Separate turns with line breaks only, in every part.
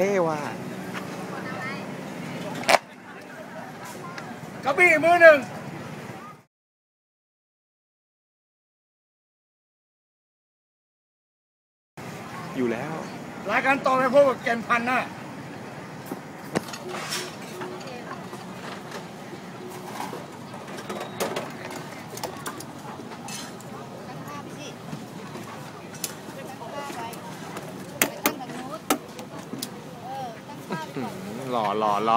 ท่ว่ะ
กระบี่มือหนึ่ง
อยู่แล้ว
รายการต่อไปพวกเกมพันน่ะ
รอ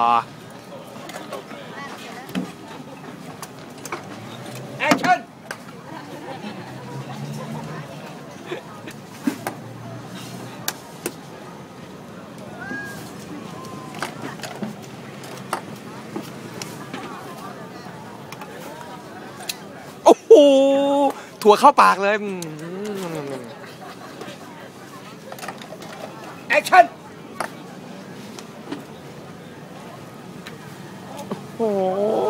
แอคชั่น
โอ้โหถั่วเข้าปากเลย
แอคชั่น
โอ้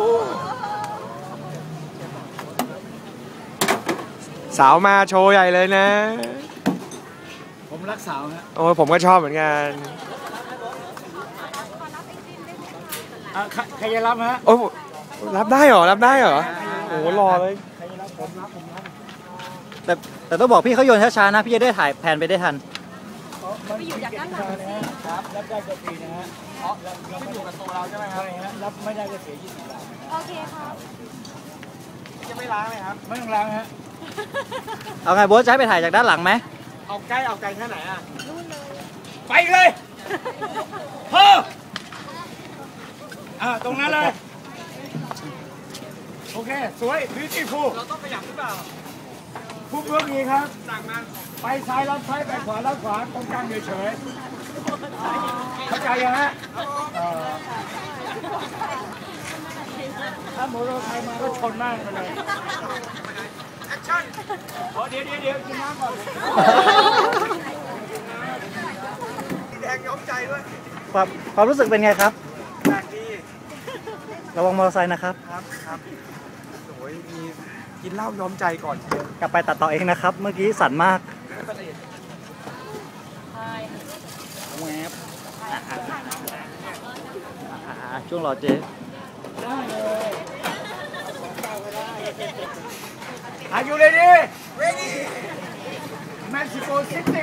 สาวมาโชว์ใหญ่เลยนะ
ผมรักสาวฮะ
โอ้ผมก็ชอบเหมือนกัน
ใครจะรับฮะ
โอ้รับได้เหรอโอ้รอเลย
ใครจะรับผมรับ
แต่ต้องบอกพี่เขาโยนช้าๆนะพี่จะได้ถ่ายแผนไปได้ทัน
ไปอยู่จากด้านหลังครับรับได้ก็ฟรีนะฮะเราไม่อยู่กับตัวเราใช่ไหมครับรับไม่ได้ก็เสีย20 บาท
โอเคครับ
จะไม่ล้างเลยครับไม่ต้องล้างฮะ
เอาไงโบ๊ทจะให้ไปถ่ายจากด้านหลังไหม
เอาไกลแค่ไหนอ่ะ
นู่นเลย
ไปเลยเฮ้อตรงนั้นเลยโอเคสวยbeautiful
เราต้องขยับหรือเปล่า
ผู้เพื่อนดีครับ
สั่งมา
ไปซ้ายรับซ้ายไปขวารับขวาตรงกลางเฉยๆเข้าใจยังฮะถ้าโมโรไทยมาก็ชนมากไปเลยแอคชั่นเดี๋ยวกินน้ำก่อน
แดงย้อมใจด้วย
ความรู้สึกเป็นไงครับ
แปลกดี
ระวังมอเตอร์ไซค์นะครับ
โอ้ยมีกินเหล้าย้อมใจก่อน
กลับไปตัดต่อเองนะครับเมื่อกี้สั่นมากแวบช่วงรอเจ๊
ได้เลย Are you ready?
Ready
Mexico City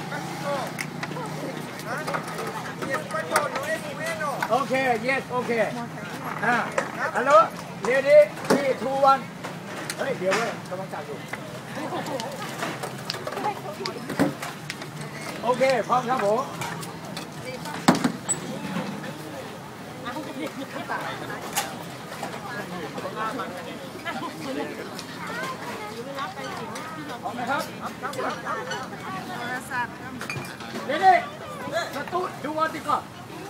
Okay yes okay Hello ready 3 2 1เฮ้ยเดี๋ยวเว้ยกำลังจับอยู่โอเคพร้อมครับผมพร้อมนะครับเดี๋ยวสตูดูวันดีก่อน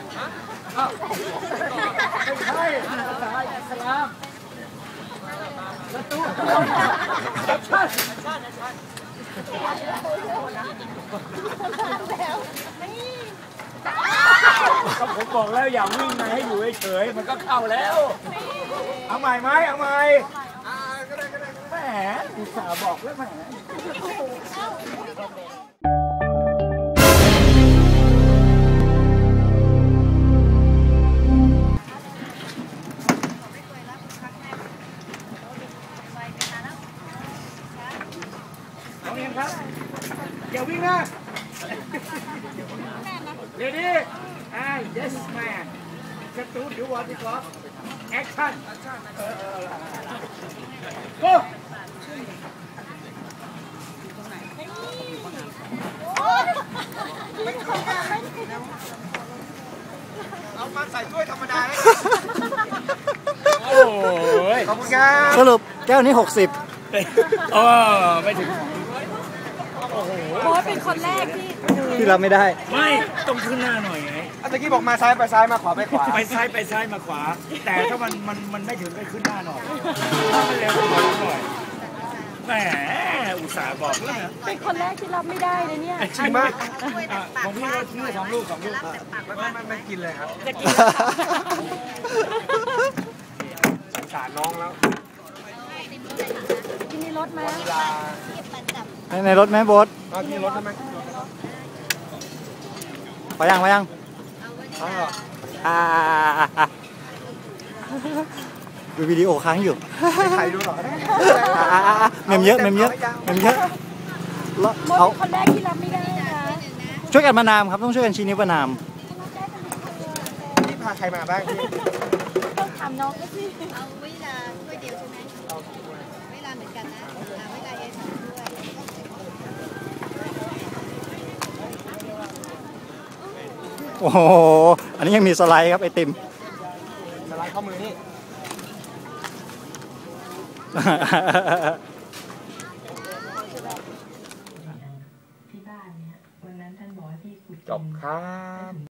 ไม่ใช่ภาษาอิสลามสตูแอคชั่นก็ผมบอกแล้วอย่าวิ่งมาให้อยู่เฉยๆมันก็เข้าแล้วเอาใหม่ไหมเอาใหม่แหมอุตส่าห์บอกแล้วแหมน้องเอ็มครับอย่าวิ่งนะเดี๋ยวนี้yes man สตูดิโอวันดีกว่าแอคชั่นgo
เอามาใส่ถ้วยธรรมดาให้
โอ้ย
ขอบคุณครับ
สรุปแก้วนี้60
ไม่ถึง
โบ๊ทเป็นคนแรก
ที่รับไม่ได้
ไม่ต้องขึ้นหน้าหน่อยไง
ตะกี้บอกมาซ้ายไปซ้ายมาขวาไปขวา
ไปซ้ายมาขวาแต่ถ้ามันไม่ถึงไปขึ้นหน้าหน่อยถ้ามันเร็วกว่าหน่อยแหมอุตส่าห์บอกแล้ว
เป็นคนแรกที่รับไม่ได้เลยเนี่ย
จริงมาก
ของพี่ก็ชื่อ2 ลูก
ไม่กินเลยครับ
จะกิน
สงสารน้องแล้ว
กินในรถไหม
ในรถไหมโบ๊ท
กินในรถได้ไหม
ไปยัง
อ้าว
ดูวิดีโอค้างอยู่
ไม่ใครดูหรอกนะ
เมมเยอะเมมเยอะเมมเยอะแล้ว
โบท
เอา
เป็นคนแรกที่รับไม่ได้นะ
ช่วยกันประนามครับต้องช่วยกันชี้นิ้วประนาม
พี่พาใครมาบ้างพี่
ต้องถามน้องก็สิ
เอาเวลาถ้วยเดียวใช่ไหมเวลาเหมือนกันนะเวลาเอสองถ้วย
โอ้โหอันนี้ยังมีสไลด์ครับไอติม
สไลด์ข้อมือนี่
ที่บ้านเนี่ยวันนั้นท่านบอกให้พี่ขุด
จบครับ